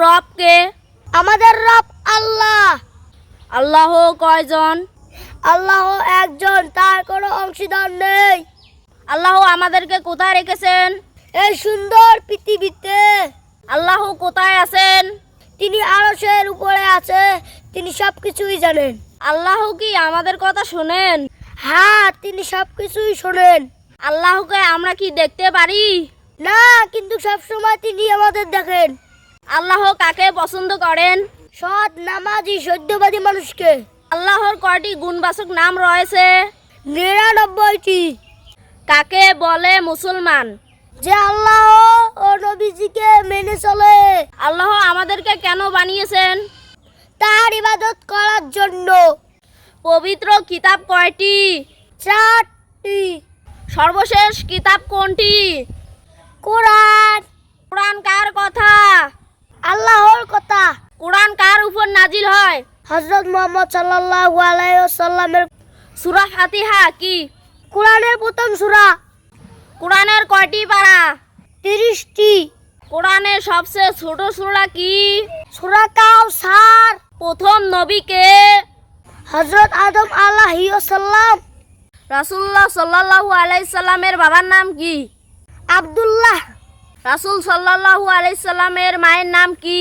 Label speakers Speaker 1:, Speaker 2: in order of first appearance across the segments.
Speaker 1: রব কে?
Speaker 2: আমাদের রব আল্লাহ।
Speaker 1: আল্লাহ কয়জন?
Speaker 2: আল্লাহ একজন, তার কোনো অংশীদার নেই।
Speaker 1: আল্লাহ আমাদেরকে কোথায় রেখেছেন?
Speaker 2: এই সুন্দর পৃথিবীতে।
Speaker 1: আল্লাহ কোথায় আছেন?
Speaker 2: তিনি আরশের উপরে আছে, তিনি সবকিছুই জানেন।
Speaker 1: আল্লাহ কি আমাদের কথা শোনেন?
Speaker 2: হ্যাঁ, তিনি সবকিছুই শোনেন।
Speaker 1: আল্লাহকে আমরা কি দেখতে পারি?
Speaker 2: না, কিন্তু সবসময় তিনি আমাদের দেখেন।
Speaker 1: আল্লাহ কাকে পছন্দ করেন?
Speaker 2: সৎ, নামাজি, সত্যবাদী মানুষকে।
Speaker 1: আল্লাহর কয়টি গুণবাচক নাম রয়েছে?
Speaker 2: 99টি।
Speaker 1: কাকে বলে মুসলমান?
Speaker 2: যে আল্লাহ ও নবীজিকে মেনে চলে।
Speaker 1: আল্লাহ আমাদেরকে কেন বানিয়েছেন?
Speaker 2: তার ইবাদত করার জন্য।
Speaker 1: পবিত্র কিতাব কয়টি?
Speaker 2: 4টি।
Speaker 1: সর্বশেষ কিতাব কোনটি?
Speaker 2: কোরআন।
Speaker 1: কোরআন কার কথা?
Speaker 2: আল্লাহর কথা।
Speaker 1: কোরআন কার উপর নাজিল হয়?
Speaker 2: হযরত মুহাম্মদ সাল্লাল্লাহু আলাইহি ওয়াসাল্লামের।
Speaker 1: সূরা ফাতিহা কি?
Speaker 2: কোরআনের প্রথম সূরা।
Speaker 1: কোরআনের কয়টি পারা?
Speaker 2: 30টি।
Speaker 1: কোরআনের সবচেয়ে ছোট সূরা কি?
Speaker 2: সূরা কাউসার।
Speaker 1: প্রথম নবী কে?
Speaker 2: হযরত আদম আলাইহিস সালাম।
Speaker 1: রাসূলুল্লাহ সাল্লাল্লাহু আলাইহি সাল্লামের বাবার নাম কি?
Speaker 2: আব্দুল্লাহ।
Speaker 1: রাসূল সাল্লাল্লাহু আলাইহি সাল্লামের মায়ের নাম কি?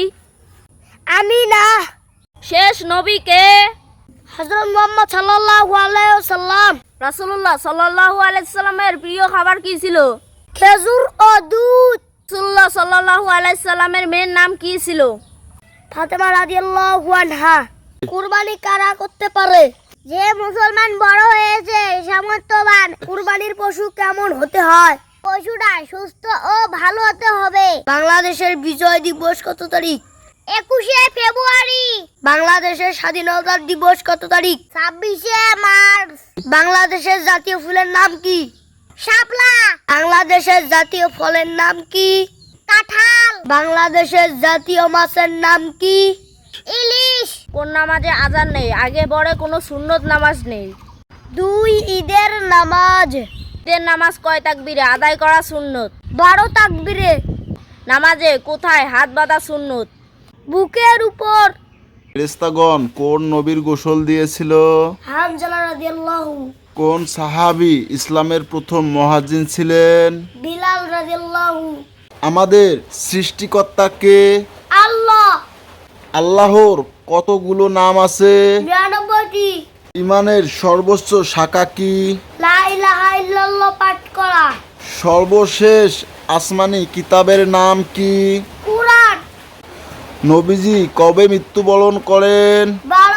Speaker 2: আমিনা।
Speaker 1: শেষ নবী কে?
Speaker 2: হযরত মুহাম্মদ সাল্লাল্লাহু আলাইহি ওয়াসাল্লাম।
Speaker 1: রাসূলুল্লাহ সাল্লাল্লাহু আলাইহি সাল্লামের প্রিয় খাবার কি ছিল?
Speaker 2: খেজুর ও দুধ।
Speaker 1: রাসূলুল্লাহ সাল্লাল্লাহু আলাইহি সাল্লামের মেয়ের নাম কি ছিল?
Speaker 2: ফাতেমা রাদিয়াল্লাহু আনহা। কুরবানি কারা করতে পারে? যে মুসলমান বড় হয়েছে, সামর্থ্যবান। কুরবানির পশু কেমন হতে হয়? পশুটা সুস্থ ও ভালো হতে হবে। বাংলাদেশের বিজয় দিবস কত তারিখ? 21শে ফেব্রুয়ারি। বাংলাদেশের স্বাধীনতা দিবস কত তারিখ? 26শে মার্চ। বাংলাদেশের জাতীয় ফুলের নাম কি? শাপলা। বাংলাদেশের জাতীয় ফলের নাম কি? কাঁঠাল। বাংলাদেশের জাতীয় মাছের নাম কি? ইলিশ।
Speaker 1: কোন নামাজে আজান নেই? আগে পরে কোনো সুন্নত নামাজ নেই।
Speaker 2: 2 ঈদের নামাজ।
Speaker 1: ঈদের নামাজ কয় তাকবীরে আদায় করা সুন্নত?
Speaker 2: 12 তাকবীরে।
Speaker 1: নামাজে কোথায় হাত বাঁধা সুন্নত?
Speaker 2: বুকের উপর।
Speaker 3: ফেরেশতাগণ কোন নবীর গোসল দিয়েছিল?
Speaker 2: হানজালা রাদিয়াল্লাহু।
Speaker 3: কোন সাহাবী ইসলামের প্রথম মুয়াজ্জিন ছিলেন?
Speaker 2: বিলাল রাদিয়াল্লাহু।
Speaker 3: আমাদের সৃষ্টিকর্তা কে?
Speaker 2: আল্লাহ।
Speaker 3: আল্লাহর কতগুলো নাম আছে?
Speaker 2: 99টি।
Speaker 3: ইমানের সর্বোচ্চ শাখা কি?
Speaker 2: লা ইলাহা ইল্লাল্লাহ পাঠ করা।
Speaker 3: সর্বশেষ আসমানি কিতাবের নাম কি?
Speaker 2: কুরআন।
Speaker 3: নবীজি কবে মৃত্যুবরণ করেন?
Speaker 2: 12